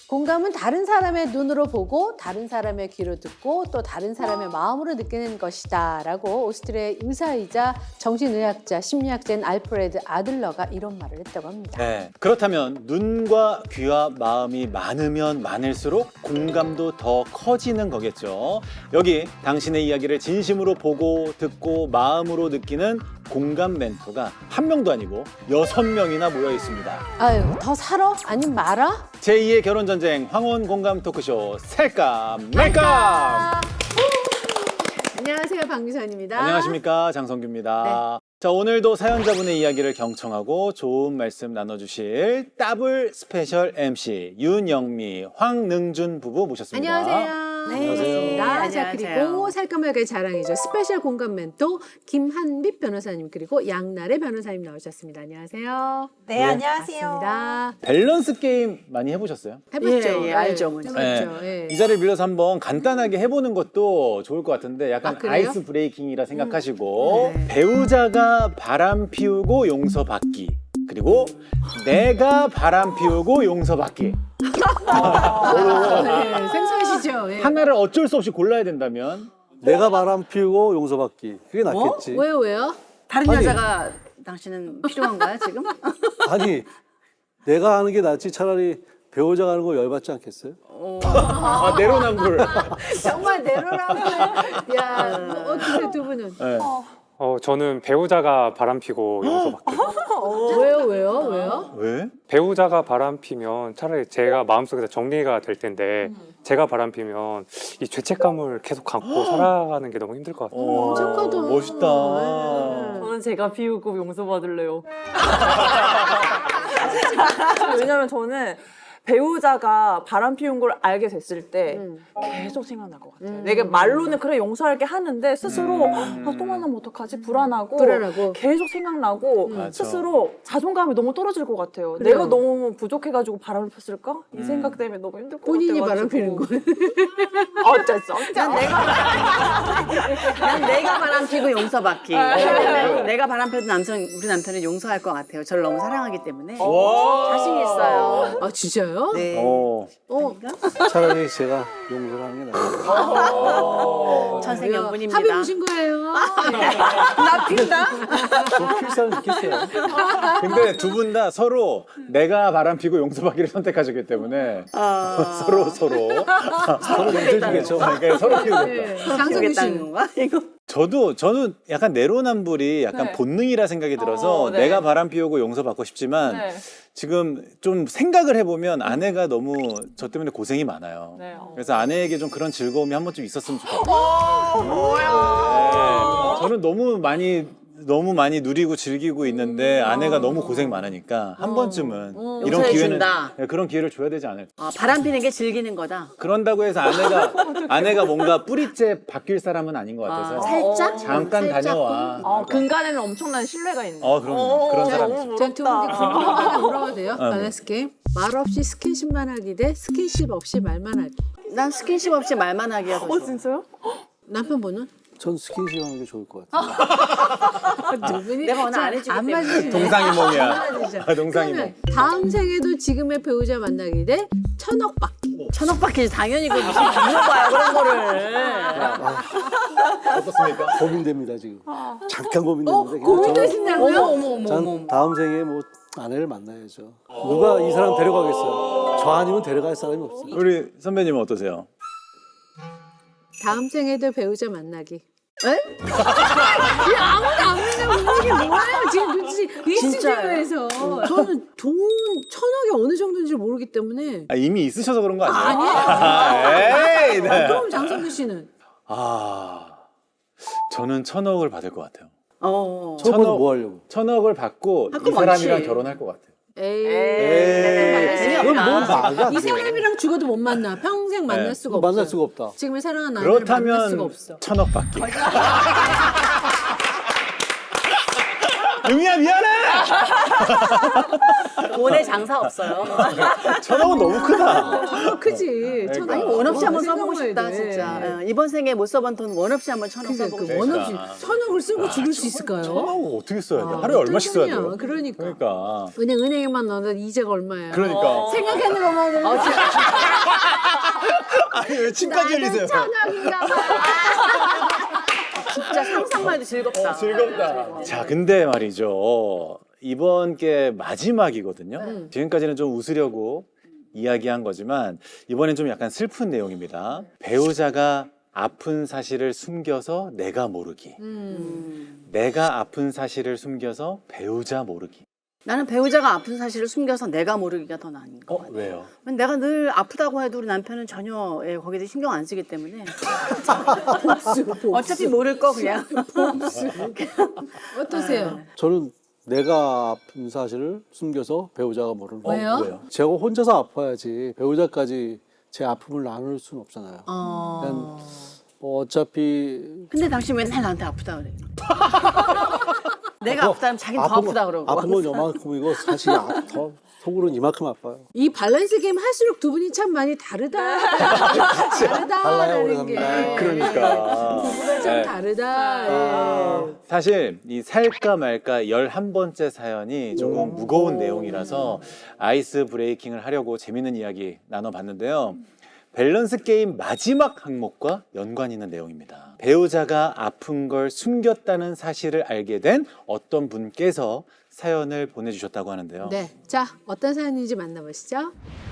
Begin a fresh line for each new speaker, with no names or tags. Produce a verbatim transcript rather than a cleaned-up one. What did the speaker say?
공감은 다른 사람의 눈으로 보고 다른 사람의 귀로 듣고 또 다른 사람의 마음으로 느끼는 것이다 라고 오스트리아의 의사이자 정신의학자, 심리학자인 알프레드 아들러가 이런 말을 했다고 합니다.
네. 그렇다면 눈과 귀와 마음이 많으면 많을수록 공감도 더 커지는 거겠죠. 여기 당신의 이야기를 진심으로 보고 듣고 마음으로 느끼는 공감 멘토가 한 명도 아니고 여섯 명이나 모여 있습니다.
아유, 더 살아? 아님 말아?
제이의 결혼전쟁 황혼 공감 토크쇼 살감 말감!
안녕하세요, 박미선입니다.
안녕하십니까, 장성규입니다. 자, 오늘도 사연자분의 이야기를 경청하고 좋은 말씀 나눠주실 더블 스페셜 엠씨 윤영미, 황능준 부부 모셨습니다.
안녕하세요.
네.
안녕하세요.
반갑습니다. 자,
안녕하세요.
그리고 살까말까의 자랑이죠. 스페셜 공감 멘토 김한빛 변호사님 그리고 양나래 변호사님 나오셨습니다. 안녕하세요.
네,
네.
안녕하세요.
반갑습니다.
밸런스 게임 많이 해보셨어요?
해봤죠?
예, 예, 알죠, 뭔지.
해봤죠. 예.
이 자리를 빌려서 한번 간단하게 해보는 것도 좋을 것 같은데 약간
아, 그래요?
아이스 브레이킹이라 생각하시고 배우자가 바람 피우고 용서받기 그리고 내가 바람 피우고 용서받기
아, 네, 생소하시죠? 예.
하나를 어쩔 수 없이 골라야 된다면
내가 바람 피우고 용서받기. 그게 낫겠지.
왜요, 왜요?
다른
아니.
여자가 당신은 필요한가요, 지금?
아니, 내가 하는 게 낫지 차라리 배우자가 하는 거 열받지 않겠어요?
아, 내로남불.
정말 내로라고. 야, 뭐 어떻게 두 분은?
네.
어, 저는 배우자가 바람피고 용서받기.
왜요, 왜요, 왜요?
왜?
배우자가 바람피면 차라리 제가 마음속에서 정리가 될 텐데 제가 바람피면 이 죄책감을 계속 안고 살아가는 게 너무 힘들 것 같아요.
오,
착하다.
멋있다.
저는 제가 비우고 용서받을래요. 왜냐면 저는 배우자가 바람 피운 걸 알게 됐을 때
음.
계속 생각날 것 같아요.
음.
내가 말로는 그래 용서할게 하는데 스스로 아, 또 만나면 어떡하지? 불안하고
불안하고.
계속 생각나고
맞아.
스스로 자존감이 너무 떨어질 것 같아요.
그래요.
내가 너무 부족해가지고 바람을 폈을까? 이 생각 때문에 너무 힘들 것
본인이
같아가지고.
바람 피는 거예요.
어쩔 수 없죠.
난 내가 바람 피고 용서받기. 네. 내가 바람 펴도 남편, 우리 남편은 용서할 것 같아요. 저를 너무 사랑하기 때문에.
와.
자신 있어요.
아, 진짜요?
네.
어.
어,
차라리 제가 용서를 하는 게 나아요.
천생연분입니다.
합의 보신 거예요?
나 핀다?
좀 필사를 느꼈어요.
근데 두 분 다 서로 내가 바람 피고 용서받기를 선택하셨기 때문에 서로 서로
서로 용서해주겠죠.
그러니까 서로 피우겠다.
네. 장성규
피우겠다는
씨.
건가? 이거.
저도 저는 약간 내로남불이 약간
네.
본능이라 생각이 들어서
어, 네.
내가 바람 피우고 용서받고 싶지만
네.
지금 좀 생각을 해보면 아내가 너무 저 때문에 고생이 많아요.
네. 어.
그래서 아내에게 좀 그런 즐거움이 한 번쯤 있었으면 좋겠어요. 네. 저는 너무 많이 너무 많이 누리고 즐기고 있는데 아내가 너무 고생 많으니까 한 번쯤은 이런
용서해
기회는
준다.
네, 그런 기회를 줘야 되지 않을까.
아, 바람 피는 게 즐기는 거다.
그런다고 해서 아내가 아내가 뭔가 뿌리째 바뀔 사람은 아닌 것 같아서
살짝?
잠깐
살짝?
다녀와.
어, 근간에는 엄청난 신뢰가 있는.
어, 그럼요. 그런 사람 있어요.
전 두 분께 궁금한 거 하나 물어봐도 돼요? 밸런스 게임. 말 없이 스킨십만 하기 대 스킨십 없이 말만 하기.
난 스킨십 없이 말만 하기가 더 좋아.
어, 진짜요?
남편분은?
전 스킨십 하는 게 좋을 것 같아요.
두 분이
내가 오늘 안 해주기
안
때문에.
맞으시네.
동상이몽이야.
안 맞으시죠?
아, 동상이몽.
그러면 다음 생에도 지금의 배우자 만나기 대 천억 받기.
천억 받기 당연히 그 무슨 물어봐요 그런 거를.
어떻습니까?
고민됩니다, 지금. 잠깐
어?
고민됐는데. 그냥
고민되신다고요?
어머 어머 어머
전,
어머.
전 다음 생에 뭐 아내를 만나야죠. 누가 이 사람 데려가겠어요? 저 아니면 데려갈 사람이 없어요.
우리 선배님은 어떠세요?
다음 생에도 배우자 만나기. 에? 야, 아무도 안 믿는 이게 뭐예요? 지금 눈치 이
진짜요?
스튜디오에서 저는 돈 천억이 어느 정도인지 모르기 때문에.
아, 이미 있으셔서 그런 거 아니에요?
아니에요.
아, 에이, 네.
그럼 장성규 씨는?
아, 저는 천억을 받을 것 같아요.
어.
첫 번째 뭐 하려고?
천억을 받고
할
이
거
사람이랑
많지.
결혼할 것 같아요.
에이.
에이, 그건 뭐 말이 안
이
돼.
사람이랑 죽어도 못 만나. 평생 만날
네.
수가 없어.
만날 수가 없다.
지금의 사랑하는 아내를 만날 수가
그렇다면
없어.
천억 받기. 용이야 미안해.
돈에 장사 없어요.
천억은 너무 크다.
천억 크지. 천억.
아니 원 없이
어,
한번 써보고
생각해야
싶다
돼.
진짜. 어, 이번 생에 못 써본 돈 원 없이 한번 천억
그러니까
써보고
그
싶다.
원 없이
그러니까.
천억을 쓰고 죽을 수 있을까요?
천억을 어떻게 써야 돼?
아,
하루에 얼마씩 써야
어떤
돼요?
돈이야. 그러니까.
그러니까.
은행 은행에만 넣어도 이자가 얼마야?
그러니까.
생각하는 것만 해도
아니 왜 침까지 흘리세요?
천왕인가 봐.
진짜 상상만 해도 즐겁다.
즐겁다. 자, 근데 말이죠. 이번 게 마지막이거든요. 지금까지는 좀 웃으려고 이야기한 거지만 이번엔 좀 약간 슬픈 내용입니다. 배우자가 아픈 사실을 숨겨서 내가 모르기.
음.
내가 아픈 사실을 숨겨서 배우자 모르기.
나는 배우자가 아픈 사실을 숨겨서 내가 모르기가 더 나은 것
어,
같아.
왜요?
내가 늘 아프다고 해도 우리 남편은 전혀 예, 거기에 신경 안 쓰기 때문에 어차피 모를 거 그냥.
어떠세요?
저는 내가 아픈 사실을 숨겨서 배우자가 모르는 거예요.
왜요?
왜요?
제가 혼자서 아파야지 배우자까지 제 아픔을 나눌 수는 없잖아요.
어...
그냥 뭐 어차피
근데 당신 맨날 나한테 아프다 그래. 내가 아프다면 자기는 더
아픈
아프다
건-
그러고.
아픈 건 요만큼이고 사실 아, 더 속으로는 이만큼 아파요.
이 밸런스 게임 할수록 두 분이 참 많이 다르다.
달라요,
다르다라는
우리
게.
남자.
그러니까.
부부가 참
네.
다르다. 예.
사실 이 살까 말까 열한 번째 사연이 조금 무거운 내용이라서 아이스 브레이킹을 하려고 재밌는 이야기 나눠봤는데요. 밸런스 게임 마지막 항목과 연관 있는 내용입니다. 배우자가 아픈 걸 숨겼다는 사실을 알게 된 어떤 분께서 사연을 보내주셨다고 하는데요.
네. 자, 어떤 사연인지 만나보시죠.